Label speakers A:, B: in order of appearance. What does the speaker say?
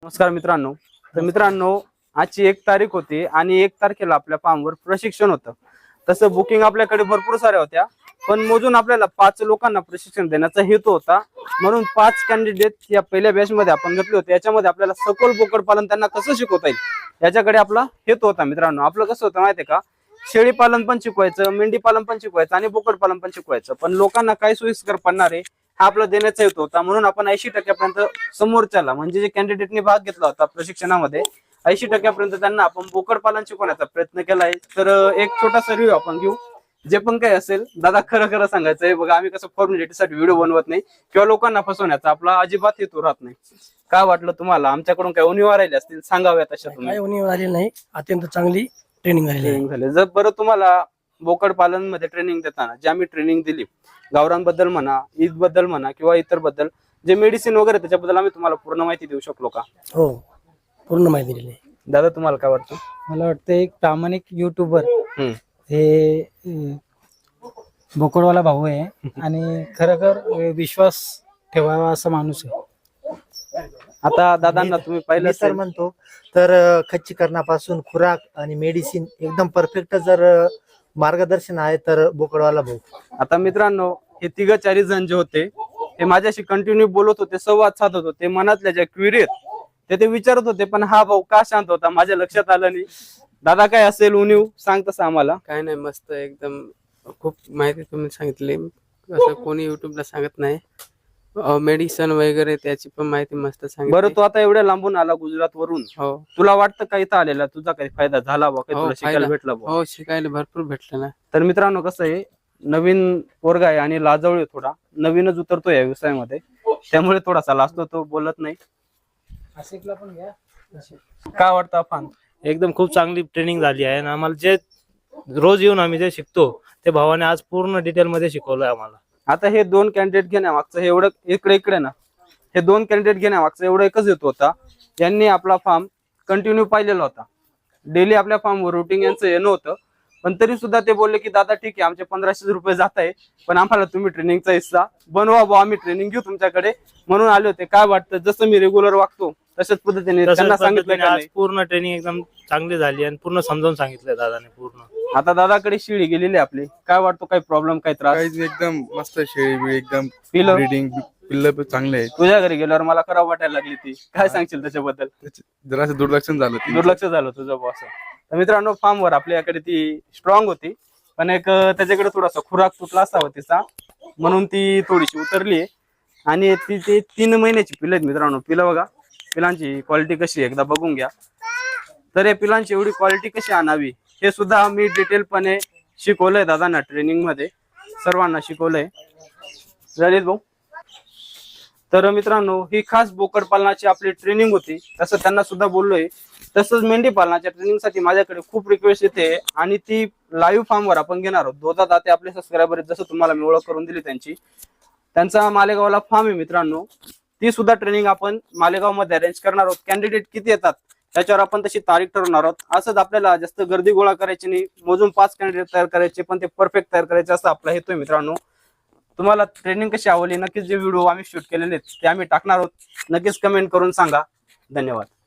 A: नमस्कार मित्रांनो. तर मित्रांनो, आजची 1 तारीख होती आणि 1 तारखेला आपल्या फार्मवर प्रशिक्षण होतं. तसं बुकिंग आपल्याकडे भरपूर साऱ्या होत्या, पण मोजून आपल्याला 5 लोकांना प्रशिक्षण देण्याचा हेतू होता. म्हणून 5 कॅन्डिडेट या पहिल्या बॅच मध्ये आपण घेतले होते. याच्यामध्ये आपल्याला सखोल बोकड पालन त्यांना कसं शिकवता येईल याच्याकडे आपला हेतू होता. मित्रांनो, आपलं कसं होतं माहितीये का, शेळी पालन पण शिकवायचं, मेंढी पालन पण शिकवायचं आणि बोकड पालन पण शिकवायचं. पण लोकांना काय सोयीस्कर पडणार आहे हा आपला देण्याचा हेतू होता. म्हणून आपण 80% समोरच्याला म्हणजे जे कॅन्डिडेटने भाग घेतला होता प्रशिक्षणामध्ये 80% त्यांना आपण बोकड पालन शिकवण्याचा प्रयत्न केलाय. तर एक छोटासा रिव्ह्यू आपण घेऊ. जे पण काही असेल दादा खरं खरं सांगायचंय बघा, आम्ही कसं फॉर्मॅलिटीसाठी व्हिडिओ बनवत नाही किंवा लोकांना फसवण्याचा आपला अजिबात हेतू राहत नाही. काय वाटलं तुम्हाला, आमच्याकडून काही उणीवा राहिली असतील सांगाव्यात अशा तुम्ही?
B: काही उणीव आलेली नाही, अत्यंत चांगली ट्रेनिंग झाली.
A: जर बरं तुम्हाला बोकड पालन मध्ये ट्रेनिंग देताना जे आम्ही ट्रेनिंग दिली, गावरांबद्दल म्हणा, ईद बद्दल म्हणा किंवा इतर बद्दल जे मेडिसिन वगैरे त्याच्याबद्दल आम्ही तुम्हाला पूर्ण माहिती देऊ शकलो का?
B: हो, पूर्ण माहिती दिली.
A: दादा तुम्हाला काय वाटतं?
C: मला वाटतं एक प्रामाणिक युट्यूबर हे बोकडवाला भाऊ आहे आणि खरोखर विश्वास ठेवावा असा माणूस आहे.
A: आता दादांना तुम्ही पाहिलं
D: तर म्हणतो तर खच्चीकरणापासून खुराक आणि मेडिसिन एकदम परफेक्ट जर मार्गदर्शन आहे तर बोकडवाला भाऊ.
A: आता मित्रांनो, हे 3-4 जण जे होते हे माझ्याशी कंटिन्यू बोलत होते, संवाद साधत होते, मनातल्या ज्या क्वेरी ते विचारत होते. पण हा भाऊ का शांत होता माझ्या लक्षात आलं नाही. दादा काय असेल उणीव सांग तसं आम्हाला.
E: काय नाही, मस्त एकदम खूप माहिती तुम्ही सांगितली, असं कोणी युट्यूबला सांगत नाही. मेडिसिन वगैरे त्याची पण माहिती मस्त सांगितली.
A: बरं, तू आता एवढ्या लांबून आला गुजरात वरून,
E: हो
A: तुला वाटतं का इथं आलेला तुझा काही फायदा झाला बा, काही तुला शिकायला भेटला बा?
E: हो, शिकायला भरपूर भेटलं ना.
A: तर मित्रांनो, कसं आहे, नवीन पोरगा आहे आणि लाजवळी थोडा नवीनच उतरतो या व्यवसायामध्ये, त्यामुळे थोडासा लाजतो, तो बोलत नाही. काय वाटतं अफान?
F: एकदम खूप चांगली ट्रेनिंग झाली आहे आणि आम्हाला जे रोज येऊन आम्ही जे शिकतो ते भावाने आज पूर्ण डिटेल मध्ये शिकवलंय आम्हाला.
A: आता हे 2 कॅन्डिडेट घेण्यामागचं हे एवढं इकडे ना, हे 2 कॅन्डिडेट घेण्यामागचं एवढं एकच हेतू होता. यांनी आपला फार्म कंटिन्यू पाहिलेला होता, डेली आपल्या फार्मवर रुटीन यांचं येणं होतं. पण तरी सुद्धा ते बोलले की दादा ठीक आहे, आमचे 1500 रुपये जात आहे, पण आम्हाला तुम्ही ट्रेनिंगचा हिस्सा बनवा बा, आम्ही ट्रेनिंग घेऊ तुमच्याकडे म्हणून आले होते. काय वाटतं, जसं मी रेग्युलर वागतो तशाच पद्धतीने त्यांना सांगितलं
F: आज पूर्ण ट्रेनिंग एकदम चांगली झाली आणि पूर्ण समजावून सांगितलं दादाने पूर्ण.
A: आता दादाकडे शेळी गेलेली आपली, काय वाटतो, काही प्रॉब्लेम, काही त्रास?
G: काहीच एकदम मस्त शेळी बिळी एकदम
A: पिलं
G: ब्रीडिंग पिल्ल पण चांगले आहेत.
A: तुझ्या घरी गेल्यावर मला खराब वाटायला लागली ती, काय सांगशील त्याच्याबद्दल?
G: जरासं दुर्लक्ष झालं ते.
A: दुर्लक्ष झालं तुझं बॉस. तर मित्रांनो, फार्मवर आपल्याकडे ती स्ट्रॉंग होती, पण एक त्याच्याकडे थोडासा खुराक तुटला असावा तिचा, म्हणून ती थोडीशी उतरली. आणि ती 3 महिन्याची पिल्ल आहेत मित्रांनो. पिलं बघा, पिलांची क्वालिटी कशी एकदा बघून घ्या. तर या पिलांची एवढी क्वालिटी कशी आणावी हे सुद्धा मी डिटेलपणे शिकवलंय दादांना, ट्रेनिंग मध्ये सर्वांना शिकवलंय. ललित भाऊ, तर मित्रांनो, ही खास बोकड पालनाची आपली ट्रेनिंग होती, तसं त्यांना सुद्धा बोललोय. तसंच मेंढी पालनाच्या ट्रेनिंगसाठी माझ्याकडे खूप रिक्वेस्ट येते आणि ती लाईव्ह फार्मवर आपण घेणार आहोत. 2 दाते आपले सबस्क्रायबर जसं तुम्हाला मी ओळख करून दिली त्यांचा मालेगावला फार्म आहे मित्रांनो. ती सुद्धा ट्रेनिंग आपण मालेगाव मध्ये अरेंज करणार आहोत. कॅन्डिडेट किती येतात त्याच्यावर आपण तशी तारीख ठरवणार आहोत. असंच आपल्याला जास्त गर्दी गोळा करायची नाही, मोजून 5 कॅन्डिडेट तयार करायचे, पण ते परफेक्ट तयार करायचे असं आपला हेतू आहे मित्रांनो. तुम्हाला ट्रेनिंग कशी आवडली, नक्कीच जे व्हिडिओ आम्ही शूट केलेले ते आम्ही टाकणार आहोत, नक्कीच कमेंट करून सांगा. धन्यवाद.